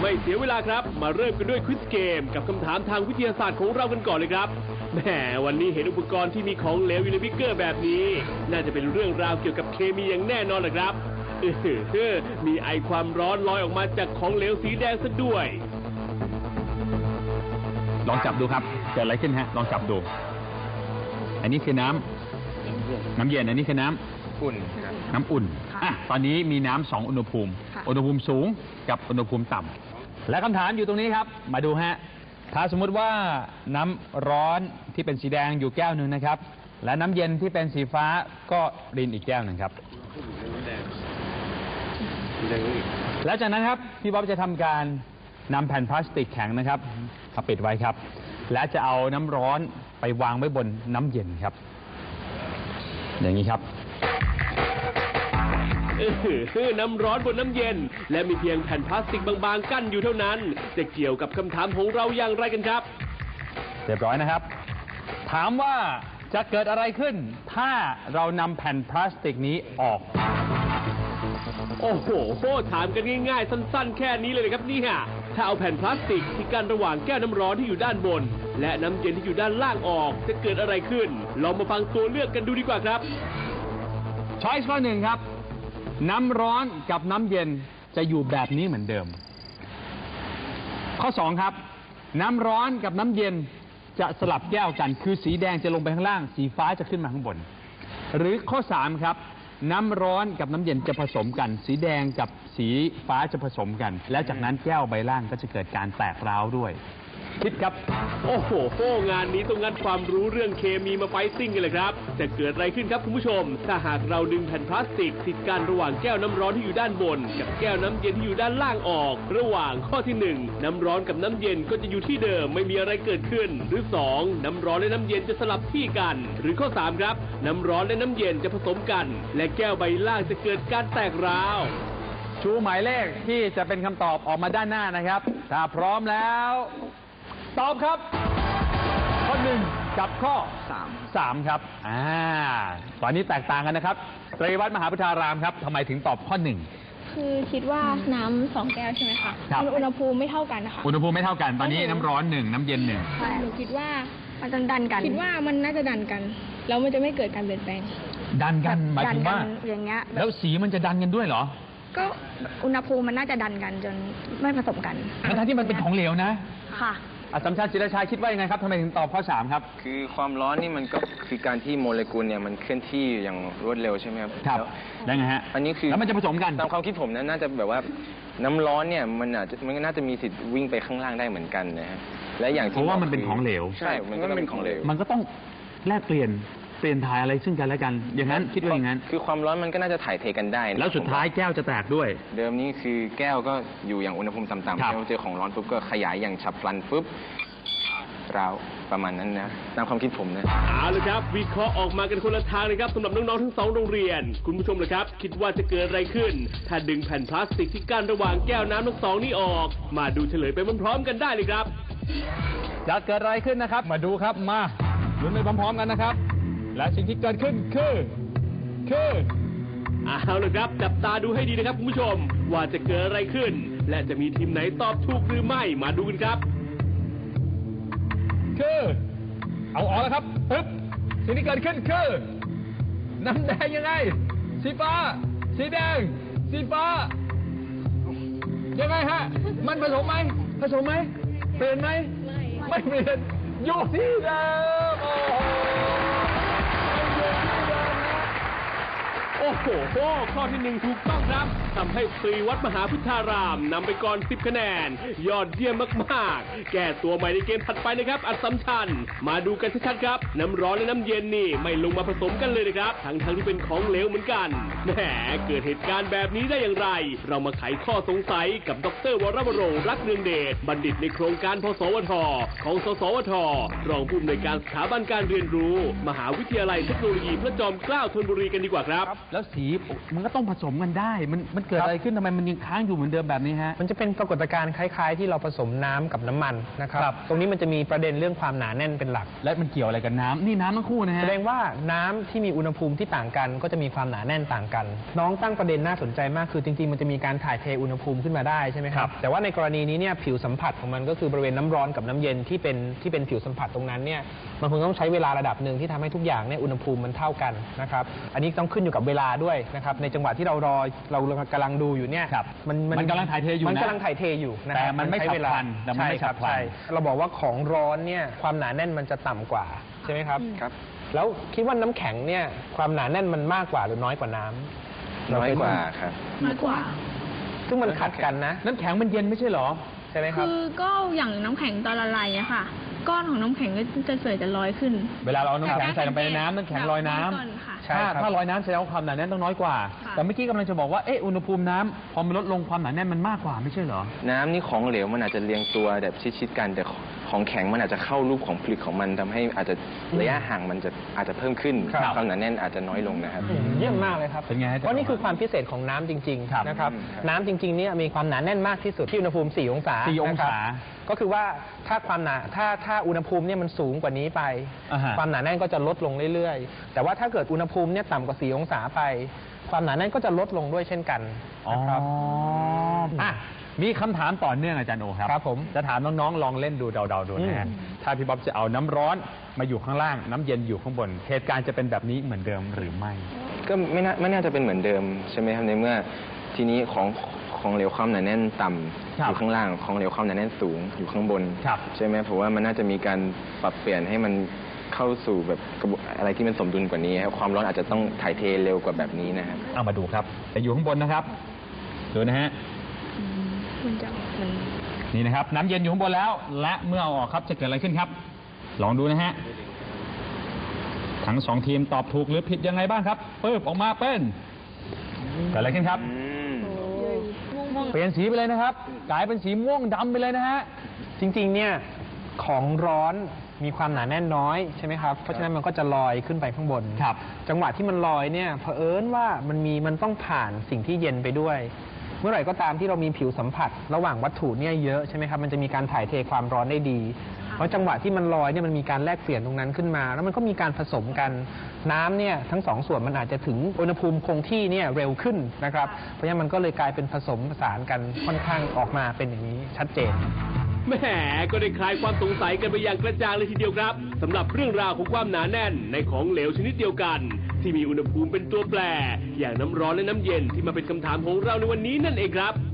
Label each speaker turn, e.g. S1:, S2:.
S1: ไม่เสียเวลาครับมาเริ่มกันด้วยควิซเกมกับคำถามทางวิทยาศาสตร์ของเรากันก่อนเลยครับแหมวันนี้เห็นอุปกรณ์ที่มีของเหลวอยู่ในบิ๊กเกอร์แบบนี้น่าจะเป็นเรื่องราวเกี่ยวกับเคมีอย่างแน่นอนแหละครับมีไอความร้อนลอยออกมาจากของเหลวสีแดงซะด้วย
S2: ลองจับดูครับเกิดอะไรขึ้นฮะลองจับดูอันนี้คือน้ำเย็นอันนี้คือน้ำอุ่นน้ำอุ่นตอนนี้มีน้ำ2อุณหภูมิสูงกับอุณหภูมิต่ำและคำถามอยู่ตรงนี้ครับมาดูฮะถ้าสมมุติว่าน้ำร้อนที่เป็นสีแดงอยู่แก้วหนึ่งนะครับและน้ำเย็นที่เป็นสีฟ้าก็รินอีกแก้วหนึ่งครับแล้วจากนั้นครับพี่บ๊อบจะทำการนำแผ่นพลาสติกแข็งนะครับมาปิดไว้ครับและจะเอาน้ำร้อนไปวางไว้บนน้ำเย็นครับอย่างนี้ครับ
S1: น้ำร้อนบนน้ำเย็นและมีเพียงแผ่นพลาสติกบางๆกั้นอยู่เท่านั้นจะเกี่ยวกับคำถามของเราอย่างไรกันครับ
S2: เรียบร้อยนะครับถามว่าจะเกิดอะไรขึ้นถ้าเรานำแผ่นพลาสติกนี้ออก
S1: โอ้โหถามกันง่ายๆสั้นๆแค่นี้เลยครับนี่ฮะถ้าเอาแผ่นพลาสติกที่กั้นระหว่างแก้วน้ำร้อนที่อยู่ด้านบนและน้ำเย็นที่อยู่ด้านล่างออกจะเกิดอะไรขึ้นลองมาฟังตัวเลือกกันดูดีกว่าครับ
S2: ช้อยส์ข้อ 1ครับน้ำร้อนกับน้ำเย็นจะอยู่แบบนี้เหมือนเดิมข้อ 2ครับน้ำร้อนกับน้ำเย็นจะสลับแก้วกันคือสีแดงจะลงไปข้างล่างสีฟ้าจะขึ้นมาข้างบนหรือข้อ 3ครับน้ำร้อนกับน้ำเย็นจะผสมกันสีแดงกับสีฟ้าจะผสมกันแล้วจากนั้นแก้วใบล่างก็จะเกิดการแตกร้าวด้วยคิดครับ
S1: โอ้โหงานนี้ต้องงัดความรู้เรื่องเคมีมาไฟติ้งกันเลยครับจะเกิดอะไรขึ้นครับคุณผู้ชมถ้าหากเราดึงแผ่นพลาสติกติดกันระหว่างแก้วน้ำร้อนที่อยู่ด้านบนกับแก้วน้ำเย็นที่อยู่ด้านล่างออกระหว่างข้อที่1น้ำร้อนกับน้ำเย็นก็จะอยู่ที่เดิมไม่มีอะไรเกิดขึ้นหรือ2น้ำร้อนและน้ำเย็นจะสลับที่กันหรือข้อ3ครับน้ำร้อนและน้ำเย็นจะผสมกันและแก้วใบล่างจะเกิดการแตกร้าว
S2: ชูหมายเลขที่จะเป็นคำตอบออกมาด้านหน้านะครับถ้าพร้อมแล้วตอบครับข้อ1กับข้อ3ครับตอนนี้แตกต่างกันนะครับไตรวัฒน์มหาพุทธารามครับทำไมถึงตอบข้อ1
S3: คือคิดว่าน้ำ2แก้วใช่ไหมคะอุณหภูมิไม่เท่ากันนะคะ
S2: อุณหภูมิไม่เท่ากันตอนนี้น้ำร้อน1น้ำเย็น1
S3: ใช่หนูคิดว่ามันจะดันกันคิดว่ามันน่าจะดันกันแล้วมันจะไม่เกิดการเปลี่ยนแปลง
S2: ดันกันหมายถึงว่า
S3: อย่างเงี้ย
S2: แล้วสีมันจะดันกันด้วยเหรอ
S3: ก็อุณหภูมิมันน่าจะดันกันจนไม่ผสมกัน
S2: ทั้งที่มันเป็นของเหลวนะ
S3: ค่ะ
S2: อัศมชัญ ศิรชัยคิดว่ายังไงครับทำไมถึงตอบข้อ3ครับ
S4: คือความร้อนนี่มันก็คือการที่โมเลกุลเนี่ยมันเคลื่อนที่อย่างรวดเร็วใช่ไหมครับ
S2: ครับแล้วไงฮะ
S4: อันนี้คือ
S2: แล้วมันจะผสมกัน
S4: ตามความคิดผมน่าจะแบบว่าน้ำร้อนเนี่ยมันน่าจะมีสิทธิ์วิ่งไปข้างล่างได้เหมือนกันนะฮะและอย่างที่
S2: เพราะว่ามันเป็นของเหลว
S4: ใช่มันก็เป็นของเหลว
S2: มันก็ต้องแลกเปลี่ยนถ่ายอะไรซึ่งกันและกันอย่างนั้นคิดว่าอย่างนั้น
S4: คือความร้อนมันก็น่าจะถ่ายเทกันได้
S2: แล้วสุดท้ายแก้วจะแตกด้วย
S4: เดิมนี้คือแก้วก็อยู่อย่างอุณหภูมิต่ำๆแล้วเจอของร้อนปุ๊บก็ขยายอย่างฉับพลันปุ๊บร้าวประมาณนั้นนะตามความคิดผมนะ
S1: เอาเลยครับวิเคราะห์ออกมากันคนละทางเลยครับสำหรับน้องๆทั้ง2โรงเรียนคุณผู้ชมเลยครับคิดว่าจะเกิดอะไรขึ้นถ้าดึงแผ่นพลาสติกที่กั้นระหว่างแก้วน้ำทั้ง2นี้ออกมาดูเฉลยไปพร้อมๆกันได้เลยครับ
S2: จะเกิดอะไรขึ้นนะครับมาดูครับมาลุ้นไปพร้อมๆกันนะครับและสิ่งที่เกิดขึ้นคือ
S1: เอาละครับจับตาดูให้ดีนะครับคุณผู้ชมว่าจะเกิดอะไรขึ้นและจะมีทีมไหนตอบถูกหรือไม่มาดูกันครับ
S2: เอาออกแล้วครับปึ๊บสิ่งที่เกิดขึ้นคือน้ำแดงยังไงสีฟ้าสีแดงสีฟ้ายังไงฮะมันผสมไหมเปลี่ยนไหมไม่เปลี่ยนอยู่ที่เดิม
S1: โอ้โหข้อที่1ถูกต้องครับทำให้ตรีวัฒน์มหาพุทธารามนำไปก่อน10คะแนนยอดเยี่ยมมากๆแก้ตัวใหม่ในเกมถัดไปนะครับอัศมชัญมาดูกันชัดๆครับน้ำร้อนและน้ำเย็นนี่ไม่ลงมาผสมกันเลยนะครับทั้งที่เป็นของเหลวเหมือนกันแหมเกิดเหตุการณ์แบบนี้ได้อย่างไรเรามาไขข้อสงสัยกับดร.วรวรงค์รักเนืองเดชบัณฑิตในโครงการพสวทของสสวทรองผู้อำนวยการสถาบันการเรียนรู้มหาวิทยาลัยเทคโนโลยีพระจอมเกล้าธนบุรีกันดีกว่าครับ
S2: แล้วสีมันก็ต้องผสมกันได้ มันเกิดอะไรขึ้นทำไมมันยังค้างอยู่เหมือนเดิมแบบนี้ฮะ
S5: มันจะเป็นปรากฏการณ์คล้ายๆ ที่เราผสมน้ำกับน้ำมันนะครับ
S2: ครับ
S5: ตรงนี้มันจะมีประเด็นเรื่องความหนาแน่นเป็นหลัก
S2: และมันเกี่ยวอะไรกับน้ำนี่น้ำทั้งคู่นะฮะ
S5: แสดงว่าน้ำที่มีอุณหภูมิที่ต่างกันก็จะมีความหนาแน่นต่างกัน น้องตั้งประเด็นน่าสนใจมากคือจริงๆมันจะมีการถ่ายเทอุณหภูมิขึ้นมาได้ใช่ไหมครับแต่ว่าในกรณีนี้เนี่ยผิวสัมผัสของมันก็คือบริเวณน้ำร้อนกับน้ำเย็นที่เป็นผิวสัมผัสตรงนั้นเนี่ยมันคงต้องใช้เวลาระดับหนึ่งที่ทำให้ทุกอย่างเนี่ยอุณหภูมิมันเท่ากันนะครับอันนี้ต้องขึ้นอยู่กับเวลาด้วยนะครับในจังหวะที่เรากำลังดูอยู่เนี่ย
S2: ครับ มันกำลังถ่ายเทอยู่นะ
S5: มันกำลังถ่ายเทอยู่นะค
S2: แต่
S5: รับ
S2: มันไม่
S5: ใช้
S2: ฉับ
S5: เวลา
S2: พลันแต่มันไม่
S5: ใช่ครับ
S2: ฉับพลัน
S5: ใช่เราบอกว่าของร้อนเนี่ยความหนาแน่นมันจะต่ำกว่าใช่ไหมครับ
S4: ครับ
S5: แล้วคิดว่าน้ำแข็งเนี่ยความหนาแน่นมันมากกว่าหรือน้อยกว่าน้ำ
S4: น้อยกว่าครับ
S3: มากกว่า
S5: ซึ่งมันขัดกันนะ
S2: น้ำแข็งมันเย็นไม่ใช่เหรอ
S5: ใช่ไหมครับ
S3: คือก็อย่างน้ำแข็งตอนละลายอะค่ะ ก้อนของน้ำแข็งก็จะเสยจะลอยขึ้น
S2: เวลาเราเอาน้ำแข็งใส่ลงไปในน้ำน้ำแข็งลอยน้ำ
S3: ก่อนค่ะ
S5: ใช่ครับ
S2: ถ้าลอยน้ำแสดงว่าความหนาแน่นต้องน้อยกว่า
S3: ค่ะ
S2: แต่เมื่อกี้กำลังจะบอกว่าอุณหภูมิน้ำพอมันลดลงความหนาแน่นมันมากกว่าไม่ใช่เหรอ
S4: น้ำนี่ของเหลวมันอาจจะเรียงตัวแบบชิดๆกันแต่ของแข็งมันอาจจะเข้ารูปของผลึกของมันทำให้อาจจะระยะห่างมันอาจจะเพิ่มขึ้น
S5: ครับ
S4: ความหนาแน่นอาจจะน้อยลงนะครับ
S5: เยี่ยมมากเลยครับ
S2: เป็นไงฮะ
S5: เพราะนี่คือความพิเศษของน้ำจริง
S2: ครับ
S5: ๆนะครับ
S4: ครับ
S5: น้ำจริงๆเนี่ยมีความหนาแน่นมากที่สุดที่อุณหภูมิ 4 องศา
S2: 4 องศา
S5: นะครับก็คือว่าถ้าความหนาถ้าอุณหภูมิเนี่ยมันสูงกว่านี้ไป
S2: อ่าฮะ
S5: ความหนาแน่นก็จะลดลงเรื่อยๆ แต่ว่าถ้าเกิดอุณหภูมิเนี่ยต่ำกว่า 4 องศาไป ความหนาแน่นก็จะลดลงด้วยเช่นกันนะครับ
S2: อ่ะมีคำถามต่อเนื่องอาจารย์โอครับ
S5: ครับผม
S2: จะถามน้องๆลองเล่นดูเดาๆดูนะฮะถ้าพี่บ๊อบจะเอาน้ำร้อนมาอยู่ข้างล่างน้ำเย็นอยู่ข้างบนเหตุการณ์จะเป็นแบบนี้เหมือนเดิมหรือไม่
S4: ก็ไม่น่าจะเป็นเหมือนเดิมใช่ไหมครับในเมื่อทีนี้ของเหลวความหนาแน่นต่ำ
S2: ครับ
S4: อยู่ข้างล่างของเหลวความหนาแน่นสูงอยู่ข้างบน
S2: ครับ
S4: ใช่ไหมผมว่ามันน่าจะมีการปรับเปลี่ยนให้มันเข้าสู่แบบกระบวนอะไรที่มันสมดุลกว่านี้ครับความร้อนอาจจะต้องถ่ายเทเร็วกว่าแบบนี้นะครับ
S2: เอามาดูครับแต่อยู่ข้างบนนะครับดูนะฮะ
S3: มันจะมัน
S2: นี่นะครับน้ำเย็นอยู่ข้างบนแล้ว และเมื่อเอาออกครับจะเกิดอะไรขึ้นครับ ลองดูนะฮะทั้งสองทีมตอบถูกหรือผิดยังไงบ้างครับเปิบออกมาเป็นเกิดอะไรขึ้นครับ เปลี่ยนสีไปเลยนะครับ กลายเป็นสีม่วงดำไปเลยนะฮะ
S5: จริงๆ เนี่ยของร้อนมีความหนาแน่นน้อยใช่ไหมครับ เพราะฉะนั้นมันก็จะลอยขึ้นไปข้างบน
S2: ครับ
S5: จังหวะที่มันลอยเนี่ยเผอิญว่ามันต้องผ่านสิ่งที่เย็นไปด้วย เมื่อไหร่ก็ตามที่เรามีผิวสัมผัส ระหว่างวัตถุเนี่ยเยอะใช่ไหมครับ มันจะมีการถ่ายเทความร้อนได้ดี เพราะจังหวะที่มันลอยเนี่ยมันมีการแลกเปลี่ยนตรงนั้นขึ้นมา แล้วมันก็มีการผสมกันน้ำเนี่ยทั้งสองส่วนมันอาจจะถึงอุณหภูมิคงที่เนี่ยเร็วขึ้นนะครับ เพราะฉะนั้นมันก็เลยกลายเป็นผสมผสานกันค่อนข้างออกมาเป็นอย่างนี้ชัดเจน
S1: แหมก็ได้คลายความสงสัยกันไปอย่างกระจ่างเลยทีเดียวครับสำหรับเรื่องราวของความหนาแน่นในของเหลวชนิดเดียวกัน ที่มีอุณหภูมิเป็นตัวแปร อย่างน้ำร้อนและน้ำเย็นที่มาเป็นคำถามของเราในวันนี้นั่นเองครับ